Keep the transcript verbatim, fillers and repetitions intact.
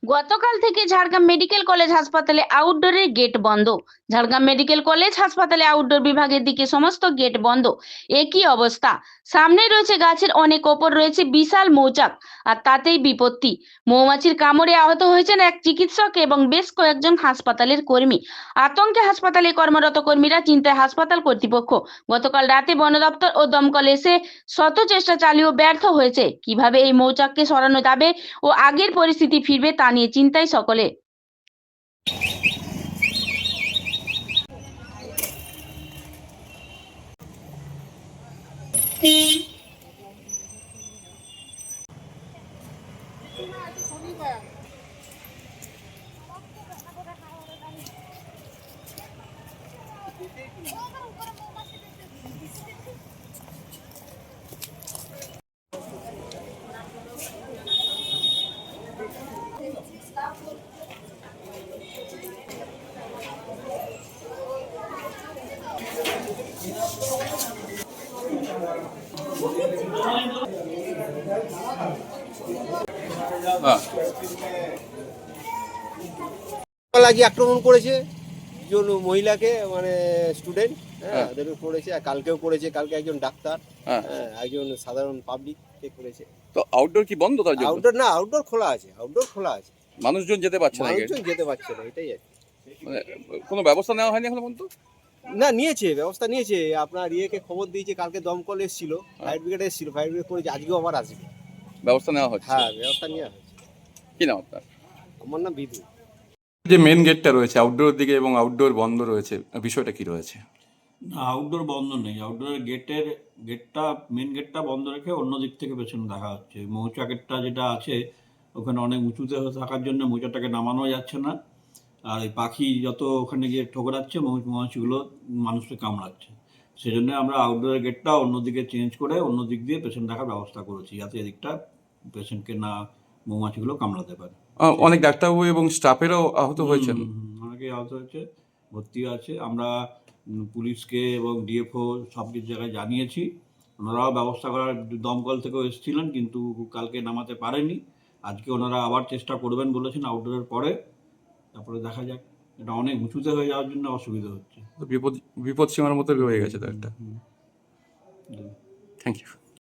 গতকাল থেকে Jhargram medical college হাসপাতালে আউটডোরের গেট বন্ধ। ঝাড়গ্রাম মেডিকেল কলেজ হাসপাতালে আউটডোর বিভাগের দিকে সমস্ত গেট বন্ধ। একই অবস্থা, সামনে রয়েছে গাছের অনেক ওপর রয়েছে বিশাল মৌচাক, আর তাতেই বিপত্তি। মৌমাছির কামড়ে আহত হয়েছেন এক চিকিৎসক এবং বেশ কয়েকজন হাসপাতালের কর্মী। আতঙ্কে হাসপাতালে কর্মরত কর্মীরা, চিন্তায় হাসপাতাল কর্তৃপক্ষ। গতকাল রাতে বন দপ্তর ও দমকল এসে শত চেষ্টা চালিয়েও ব্যর্থ হয়েছে। কিভাবে এই মৌচাককে সরানো যাবে ও আগের পরিস্থিতি ফিরবে তা নিয়ে চিন্তায় সকলে। লাগি আক্রমণ করেছে একজন মহিলাকে, মানে স্টুডেন্ট, হ্যাঁ ওদের করেছে। আর কালকেও করেছে, কালকে একজন ডাক্তার, হ্যাঁ একজন সাধারণ পাবলিক কে করেছে। তো আউটডোর কি বন্ধ? তার জন্য আউটডোর না, আউটডোর খোলা আছে, আউটডোর খোলা আছে, মানুষজন যেতে পারছে না, মানুষজন যেতে পারছে না, এটাই আর কি। মানে কোনো ব্যবস্থা নেওয়া হয়নি এখন পর্যন্ত? না, নিয়েছে, ব্যবস্থা নিয়েছে। আপনার ইয়েকে খবর দিয়েছে, কালকে দমকল এসেছিল, ফায়ার ব্রিগেড এসেছিল, ফায়ার ব্রিগেড করেছে, আজকেও আবার আসবে, ব্যবস্থা নেওয়া হচ্ছে। হ্যাঁ ব্যবস্থা নেওয়া হয়েছে। কি নাম আপনার? আমার নাম বিদু। যে মেন গেটটা রয়েছে আউটডোর দিকে এবং আউটডোর বন্ধ রয়েছে, বিষয়টা কি রয়েছে? না, আউটডোর বন্ধ নেই। আউটডোরের গেটের গেটটা মেন গেটটা বন্ধ রেখে অন্য দিক থেকে পেছনে দেখা হচ্ছে। মৌচাকেরটা যেটা আছে ওখানে অনেক উঁচুতে থাকার জন্য মৌচাকটাকে নামানো যাচ্ছে না। আর এই পাখি যত ওখানে গিয়ে ঠোকরাচ্ছে, মৌমাছিগুলো মানুষকে কামড়াচ্ছে। সেজন্য আমরা আউটডোরের গেটটা অন্যদিকে চেঞ্জ করে অন্য দিক দিয়ে পেশেন্ট দেখার ব্যবস্থা করেছি, যাতে এদিকটা পেশেন্টকে না মৌমাছিগুলো কামড়াতে পারে। আহ, অনেক ডাক্তারবাবু এবং স্টাফেরও আহত হয়েছেন। অনেকেই আহত হয়েছে, ভর্তি আছে। আমরা উম, পুলিশকে এবং ডিএফও সব কিছু জায়গায় জানিয়েছি। ওনারাও ব্যবস্থা করার, দমকল থেকেও এসেছিলেন কিন্তু কালকে নামাতে পারেনি। আজকে ওনারা আবার চেষ্টা করবেন বলেছেন আউটডোরের পরে, তারপরে দেখা যাক। এটা অনেক উঁচুতে হয়ে যাওয়ার জন্য অসুবিধা হচ্ছে। বিপদ বিপদ সীমার মতো হয়ে গেছে তো একটা। হুম, হুম। Thank you.